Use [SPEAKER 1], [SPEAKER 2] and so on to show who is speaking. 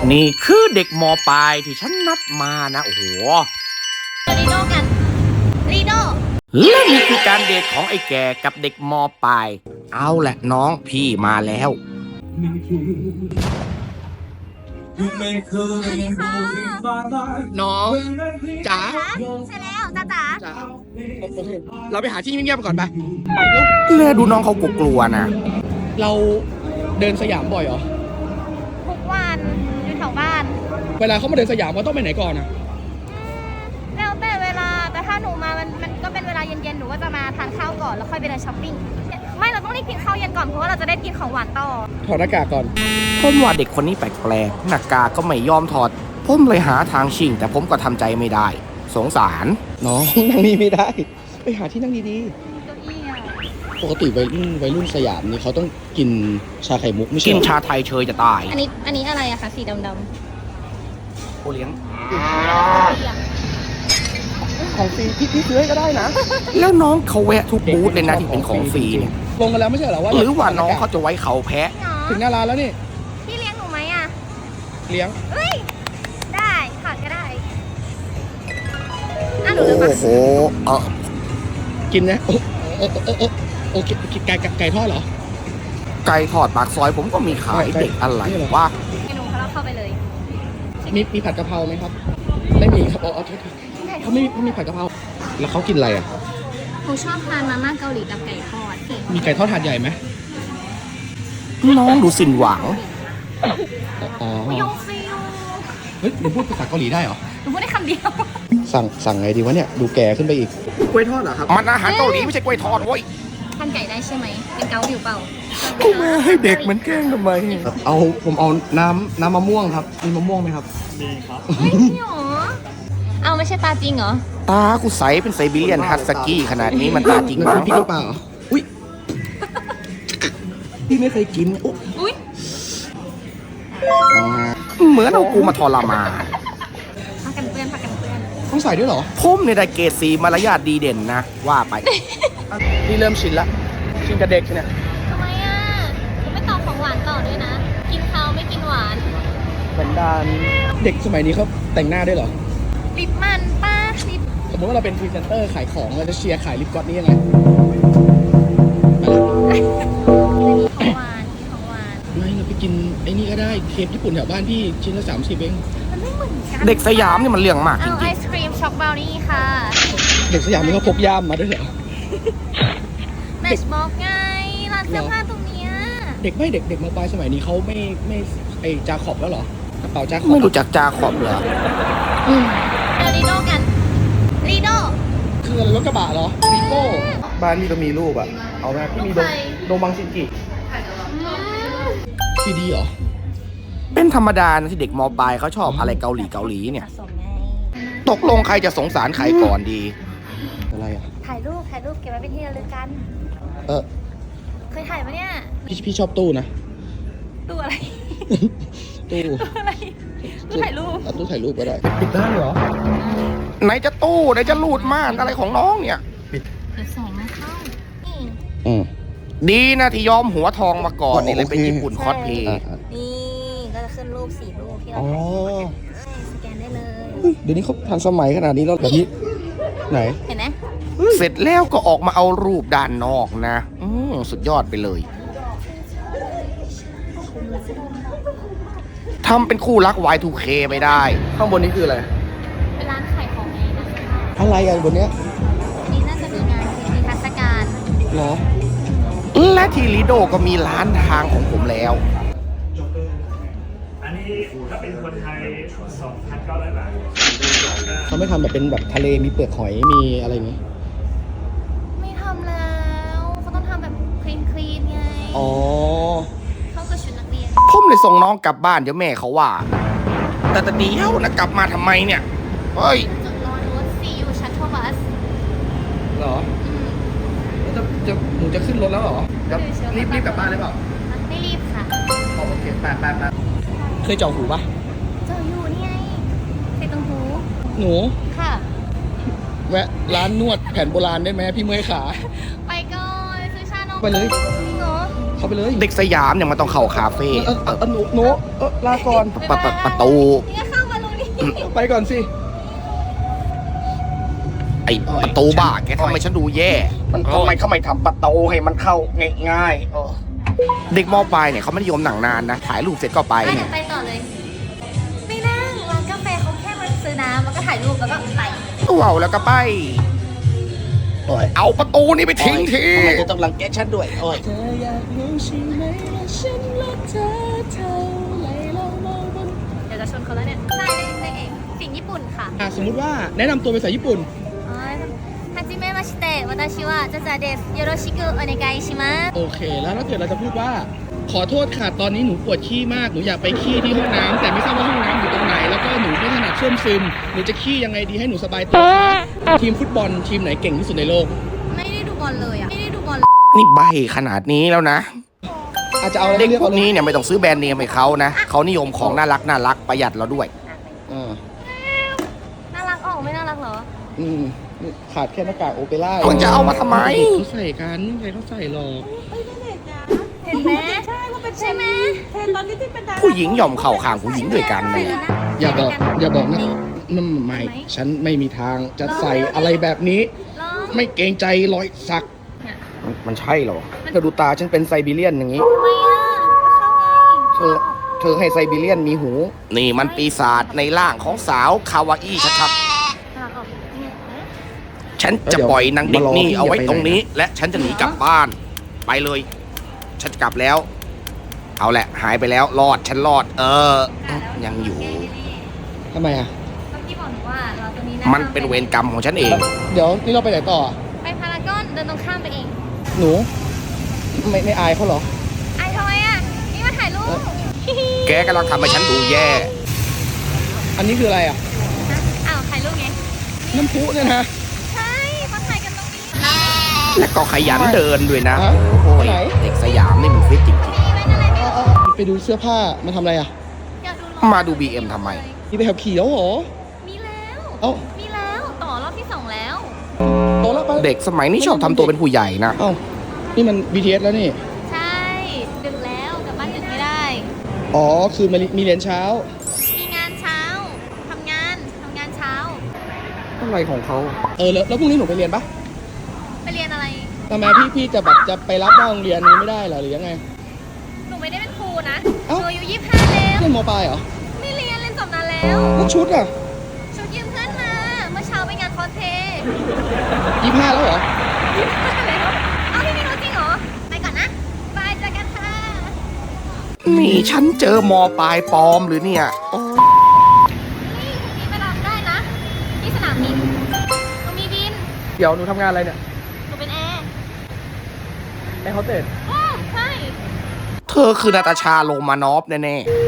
[SPEAKER 1] นี่คือเด็กมปลายที่ฉันนัดมานะโอ้โห
[SPEAKER 2] ลีโดกันลีโด
[SPEAKER 1] และนี่คือการเดทของไอ้แก่กับเด็กมปลายเอาแหละน้องพี่มาแล้ว
[SPEAKER 3] น้องจ๋า
[SPEAKER 2] ใช่แล้วจ๋า
[SPEAKER 3] จ๋าโอเคเราไปหาที่เงียบๆก่อนไป
[SPEAKER 1] เลือดูน้องเขากลัวๆนะ
[SPEAKER 3] เราเดินสยามบ่อยเหรอ
[SPEAKER 2] ทุกวันอยู่แถวบ้าน
[SPEAKER 3] เวลาเขามาเดินสยามเขาต้องไปไหนก่อนอ่ะ
[SPEAKER 2] แล้วแต่เวลาแต่ถ้าหนูมามันก็เป็นเวลาเย็นๆหนูก็จะมาทานข้าวก่อนแล้วค่อยไปเดินช้อปปิ้งไม่เราต้องรีบกินข้าวเย็นก่อนเพราะว่าเราจะได้กินของหวานต่อ
[SPEAKER 3] ถอดหน้ากากก่อน
[SPEAKER 1] ผมว่าเด็กคนนี้แปลกๆหน้ากากก็ไม่ยอมถอดผมเลยหาทางชิงแต่ผมก็ทำใจไม่ได้สงสาร
[SPEAKER 3] น้องนั่งนี่ไม่ได้ไปหาที่นั่งดี
[SPEAKER 2] เก้าอี้อะ
[SPEAKER 3] ๆปกติวัยรุ่นสยามนี่เขาต้องกินชาไข่มุกไม่ใช่
[SPEAKER 1] กินชาไทยเชยจะตาย
[SPEAKER 2] อันนี้อะไรอะคะสีดำ
[SPEAKER 1] โอเลี้ยง
[SPEAKER 3] ของฟรีพี่ซื้อให้ก็ได้นะ
[SPEAKER 1] แล้วน้องเขาแวะทุกบูธเลยนะที่เป็นของฟรีเนี่ย
[SPEAKER 3] ลงกันแล้วไม่ใช่เหรอว่า
[SPEAKER 1] หรือว่าน้องเขาจะไว้เขาแพะ
[SPEAKER 3] ถึงหน้าร้านแล้วนี่
[SPEAKER 2] พี่เลี้ยงหนูไหมอะ
[SPEAKER 3] เลี้ยง
[SPEAKER 2] เฮ้ยได้ค่ะก็ได้หนูเลือก
[SPEAKER 1] โอ้โห
[SPEAKER 3] กินนะโอเคไก่ทอดเหรอ
[SPEAKER 1] ไก่ทอดปากซอยผมก็มีขายเด็กอะไรวะ
[SPEAKER 2] เมนูเขาเข้าไปเลย
[SPEAKER 3] มีผัดกะเพราไหมครับไม่มีครับเอาเขาไม่มีผัดกะเพราแล้วเขากินอะไรอ่ะ
[SPEAKER 2] หนูชอบทานมาม่าเกาหลีกับไก่ทอด
[SPEAKER 3] มีไก่ทอดถาดใหญ่ไหม
[SPEAKER 1] น้องดูสิ้นหวัง
[SPEAKER 3] อ๋อย
[SPEAKER 2] งฟิว
[SPEAKER 3] เฮ้ยหนูพูดภาษาเกาหลีได้เหรอ
[SPEAKER 2] หนูพูดได้คำเดียว
[SPEAKER 3] สั่งไงดีวะเนี่ยดูแก่ขึ้นไปอีกกล้วยทอดเหรอครับ
[SPEAKER 1] มันอาหารเกาหลีไม่ใช่กล้วยทอดเว้ย
[SPEAKER 2] ทานไก่ได้ใช่ไหมเป็นเกาหลีเปล่า
[SPEAKER 1] กูมาให้เด็กมันแกล้งทำไม
[SPEAKER 3] ผมเอาน้ำมะม่วงครับมีมะม่วงไหมครับ
[SPEAKER 2] มีครับเฮ้ยนี่หรอเอาไม่ใช่ตาจริงเหรอ
[SPEAKER 1] ตากูใสเป็นไซบีเรียนฮัสกี้ขนาดนี้มันตาจริงมั้ง
[SPEAKER 3] พี่เปล่าอุ้ยพี่ไม่เคยกิน
[SPEAKER 2] อุ้ย
[SPEAKER 1] เหมือนเอากูมาทรมาน
[SPEAKER 2] พักกันเพื่อน
[SPEAKER 3] ต้องใส่ด้วยเหรอ
[SPEAKER 1] ผมในได้เกรดสีมารยาทดีเด่นนะว่าไป
[SPEAKER 3] พี่เริ่มชินละชินกับเด็กเนี่ย
[SPEAKER 2] ทำไมอ่ะผมไม่ต่อของหวานต่อด้วยนะกินข้าวไม่กินหวาน
[SPEAKER 3] เป็นดานเด็กสมัยนี้เขาแต่งหน้าด้วยเหรอ
[SPEAKER 2] ลิปมันป้าลิป
[SPEAKER 3] สมมติว่าเราเป็นพรีเซนเตอร์ขายของเราจะเชียร์ขายลิปกลอสนี่ยังไง
[SPEAKER 2] ของหวาน
[SPEAKER 3] ไม่เราไปกินไอ้นี่ก็ได้เคปญี่ปุ่นแถวบ้านพี่ชิ้นละ30เอง
[SPEAKER 2] มันไม่เหมือนกัน
[SPEAKER 1] เด็กสยามนี่มันเรื่องมากจริงๆ
[SPEAKER 2] ไอศครีมช็อกบราวนี่ค่ะ
[SPEAKER 3] เด็กสยามนี่เขาพกย่ามมาด้วยเหรอ
[SPEAKER 2] แมชบอกไงร้านเสื้อผ้าตรงเนี้ย
[SPEAKER 3] เด็กมาปลายสมัยนี้เขาไม่ไอจาขอบแล้วเหรอกระเป๋าจาขอบ
[SPEAKER 1] ไม่รู้จักจาขอบเหรอ
[SPEAKER 2] ลีโดกันลีโด
[SPEAKER 3] คืออะไรรถกระบะเหรอวีโก้บ้านพี่ก็มีรูปอ่ะเอาไหมพี่มีโดมังซินกิซีดีเหรอ
[SPEAKER 1] เป็นธรรมดานะที่เด็กมปลายเขาชอบอะไรเกาหลีเนี่ยตกลงใครจะสงสารใครก่อนดี
[SPEAKER 3] อะไรอ่ะ
[SPEAKER 2] ถ่ายรูปเก็บไว้เป็นที่ระลึกกันเคยถ่ายปะเนี่ย
[SPEAKER 3] พี่ชอบตู้นะ
[SPEAKER 2] ตู้อะไร
[SPEAKER 3] ตู้
[SPEAKER 2] อะไรตู้ถ่ายรูป
[SPEAKER 3] ตู้ถ่ายรูปก็ได้ปิดได้เหรอ
[SPEAKER 1] ไหนจะตู้ไหนจะรูดม่านอะไรของน้องเนี่ย
[SPEAKER 2] ปิดแสงไม่เข้า
[SPEAKER 1] ดีนะที่ยอมหัวทองมาก่อนนี่เลยเป็นญี่ปุ่นคอสเพย์
[SPEAKER 2] นี่ก็จะขึ้นรูป4รูปที่เราสแกนได้เลย
[SPEAKER 3] เดี๋ยวนี้เขาทันสมัยขนาดนี้แล้วแบบนี้ไหน
[SPEAKER 2] เห็นไหม
[SPEAKER 1] เสร็จแล้วก็ออกมาเอารูปด้านนอกนะสุดยอดไปเลยทำเป็นคู่รัก Y2K ไม่ได้
[SPEAKER 3] ข้างบนนี้คืออะไร
[SPEAKER 2] เป็นร้านขายของไงนะคะ
[SPEAKER 3] อะไรอ่ะบนเนี้ย
[SPEAKER 2] นี่น่าจะมีงานมีเทศกาล
[SPEAKER 3] เหรอ
[SPEAKER 1] และทีลิโดก็มีร้านทางของผมแล้ว
[SPEAKER 4] อันนี้ถ้าเป็นคนไทย 2,900 บาท
[SPEAKER 3] เขาไม่ทำแบบเป็นแบบทะเลมีเปลือกหอยมีอะไรอย่างงี้
[SPEAKER 2] ไม่ทำแล้วเขาต้องทำแบบคลีนไง
[SPEAKER 3] อ๋อ
[SPEAKER 2] เข้ากับชุดนักเรียน
[SPEAKER 1] ผมเลยส่งน้องกลับบ้านเดี๋ยวแม่เขาว่าแต่เดี๋ยวนะกลับมาทำไมเนี่ยเฮ้ย
[SPEAKER 2] จุดรอรถซีอยู่ชัตเทิลบัส
[SPEAKER 3] เหรอหนูจะขึ้นรถแล้วเหรอรีบกลับบ้านเลยเปล่า
[SPEAKER 2] ไม่รีบค่ะ
[SPEAKER 3] โอเคไปเคยเจาะหูปะ
[SPEAKER 2] เจาะอยู่นี่ไงใส่ตรงหู
[SPEAKER 3] หนู
[SPEAKER 2] ค่ะ
[SPEAKER 3] แวะร้านนวดแผนโบราณได้ไหมพี่เมื่อยขา
[SPEAKER 2] ไปก่อนซื้อชานม
[SPEAKER 3] ไปเลย
[SPEAKER 2] จริงเหรอ
[SPEAKER 3] เข้าไปเลย
[SPEAKER 1] เด็กสยามเนี่ยมันต้องเข้าคาเฟ่
[SPEAKER 3] หนูลาก่อน
[SPEAKER 1] ประตู
[SPEAKER 2] นี่ก็เข้ามาตรงนี้
[SPEAKER 3] ไปก่อนสิ
[SPEAKER 1] ไอ้ประตูบ้าแกทำให้ฉันดูแย่
[SPEAKER 3] มันทำไมเขาไม่ทำประตูให้มันเข้าง่าย
[SPEAKER 1] เด็กมปลายเนี่ยเขาไม่นิยมหนังนานนะ ถ่ายรูปเสร็จก็ไป
[SPEAKER 2] ไปเดี๋ยวไปต่อเลย ไม่นั่งร้านกาแฟเขาแค่มาซื้อน้ำแล้วก็ถ่ายรูปแล้วก็ไป
[SPEAKER 1] ว้าวแล้วก็ไป
[SPEAKER 3] โอ้ย
[SPEAKER 1] เอาประตูนี้ไปทิ้งที
[SPEAKER 3] ทำไมเธอต้องรังแกฉันด้วยโอ้ย
[SPEAKER 2] เดี๋ยวจะชนเขาแล้วเนี่ยใช่ในเอกสิ่งญี่ปุ่นค่ะ
[SPEAKER 3] สมมุติว่าแนะนำตัวเป็นภาษาญี่ปุ่น
[SPEAKER 2] はじめまして私はザザですよろしくお願いします
[SPEAKER 3] โอเค แล้วถ้าเกิดเราจะพูดว่า ขอโทษค่ะ ตอนนี้หนูปวดขี้มาก หนูอยากไปขี้ที่ห้องน้ำแต่ไม่ทราบว่าห้องน้ำอยู่ตรงไหน แล้วก็หนูไม่ถนัดส้วมซึม หนูจะขี้ยังไงดีให้หนูสบายตัวคะทีมฟุตบอลทีมไหนเก่งที่สุดในโลก
[SPEAKER 2] ไม่ได้ดูบอลเลยอ่ะไม่ได้ดูบอล
[SPEAKER 1] นี่ใบขนาดนี้แล้วนะ
[SPEAKER 3] อาจจะเอาอะไร
[SPEAKER 1] เด็ก
[SPEAKER 3] เลือก
[SPEAKER 1] พว
[SPEAKER 3] เอา
[SPEAKER 1] ก
[SPEAKER 3] เลย
[SPEAKER 1] นี้เนี่ยไม่ต้องซื้อแบรนด์เนมให้เขานะ เขานิยมของน่ารักประหยัดเราด้วย
[SPEAKER 2] น่ารักออกไม่น่ารักเหรอ
[SPEAKER 3] อืมขาดแค่หน้ากากโอเปร่า
[SPEAKER 1] คุณจะเอามาทำไม
[SPEAKER 3] เขาใส่กันใครเขาใส่หรอก
[SPEAKER 2] เห็นไหมใช่ว่าเป็นใช่ไหม
[SPEAKER 1] ผู้หญิงยอมเข้าข้างผู้หญิงด้วยกันเลย
[SPEAKER 3] อย่าบอกนะนั่นไม่ ฉันไม่มีทางจะใส่อะไรแบบนี้
[SPEAKER 2] ลอง
[SPEAKER 3] ไม่เกรงใจรอยสัก
[SPEAKER 1] มันใช่เหรอเธอดูตาฉันเป็นไซบีเรียนอย่างนี้
[SPEAKER 2] ทำไมอ่ะเข้าไง
[SPEAKER 1] เธอให้ไซบีเรียนมีหู นี่มันปีศาจในร่างของสาวคาวาอี้ชัด
[SPEAKER 2] น่ารักออกเนี่ย
[SPEAKER 1] ๆ ฉันจะปล่อยนางเด็กนี่เอาไว้ตรงนี้ และฉันจะหนีกลับบ้าน ไปเลย ฉันจะกลับแล้ว เอาแหละ หายไปแล้ว รอด ฉันรอด ยังอยู่
[SPEAKER 3] ทำไมอ่ะ
[SPEAKER 2] ก็พี่บอกหนูว่าเราตรงนี้นะ
[SPEAKER 1] มันเป็นเวรกรรมของฉันเอง
[SPEAKER 3] เดี๋ยวนี่เราไปไหนต่ออ่ะ
[SPEAKER 2] ไปพารากอนเดินตรงข้ามไปเอง
[SPEAKER 3] หนูไม่อายเขาเหรอ
[SPEAKER 2] ไอ้ทำไมอ่ะนี่มาถ่ายรูป
[SPEAKER 1] แกกำลังทำให้ฉันดูแย่
[SPEAKER 3] อันนี้คืออะไรอ่ะ
[SPEAKER 2] อ้าวถ่ายรูปไง
[SPEAKER 3] น้ำพุเนี่ยนะ
[SPEAKER 2] ใช่เขาถ่ายกันตรงนี้
[SPEAKER 1] และก็ขยันเดินด้วยนะ
[SPEAKER 3] ฮะ
[SPEAKER 1] โอ้ย
[SPEAKER 3] ไหน
[SPEAKER 1] เด็กสยามนี่มันฟิตจริง
[SPEAKER 2] มีไว้อะไรไม่รู้
[SPEAKER 3] ไปดูเสื้อผ้ามาทำอะไรอ่ะ
[SPEAKER 2] อยากดู
[SPEAKER 1] ๆ มาดู BM ทำไม
[SPEAKER 3] นี่ไปขับขี่แล้วเหรอ
[SPEAKER 2] มีแล้ว
[SPEAKER 3] เอ้า
[SPEAKER 2] มีแล้วต่อรอบที่ 2 แล้ว
[SPEAKER 3] โตแล้วไป
[SPEAKER 1] เด็กสมัยนี้ชอบทำตัวเป็นผู้ใหญ่นะ
[SPEAKER 3] เอ้านี่มัน BTS แล้วนี่
[SPEAKER 2] ใช่ดึกแล้วกลับบ้านดึกไม่ได้
[SPEAKER 3] อ๋อ คือมีเรียนเช้า
[SPEAKER 2] มีงานเช้าทำงานเช้า
[SPEAKER 1] อะไรของเขา
[SPEAKER 3] แล้วพรุ่งนี้หนูไปเรียนปะ
[SPEAKER 2] ไปเรียนอะไร
[SPEAKER 3] ทำไมพี่จะแบบจะไปรับหน้าโรงเรียนนี้ไม่ได้เหรอหรือยังไง
[SPEAKER 2] หนูไม่ได้เป็นครูนะ
[SPEAKER 3] เอ้า
[SPEAKER 2] หนูอายุ25แล้ว
[SPEAKER 3] เรียนมปลายเหรอ
[SPEAKER 2] ไม่เรียนจบนานแล้ว
[SPEAKER 3] แล้วชุดอ่ะ
[SPEAKER 2] ชุดยืมเพื่อนมาเมื่อเช้าไปงานคอสเพลย์
[SPEAKER 3] 25แล้วเหรอ
[SPEAKER 2] เอาพี่ไม่รู้จริงเหรอ ไปก่อนนะบายเจอกันค่ะ
[SPEAKER 1] นี่ฉันเจอมปลายปลอมหรือเนี่ยโอ้ย
[SPEAKER 2] นี่พรุ่งนี้ไปรับได้นะ ที่สนามบินหนูมีบิน
[SPEAKER 3] เดี๋ยวหนูทำงานอะไรเนี่ย
[SPEAKER 2] หนูเป็นแอร์
[SPEAKER 3] แอร์โฮสเตส
[SPEAKER 2] อ๋อใช่
[SPEAKER 1] เธอคือนาตาชาโรมานอฟแน่ๆ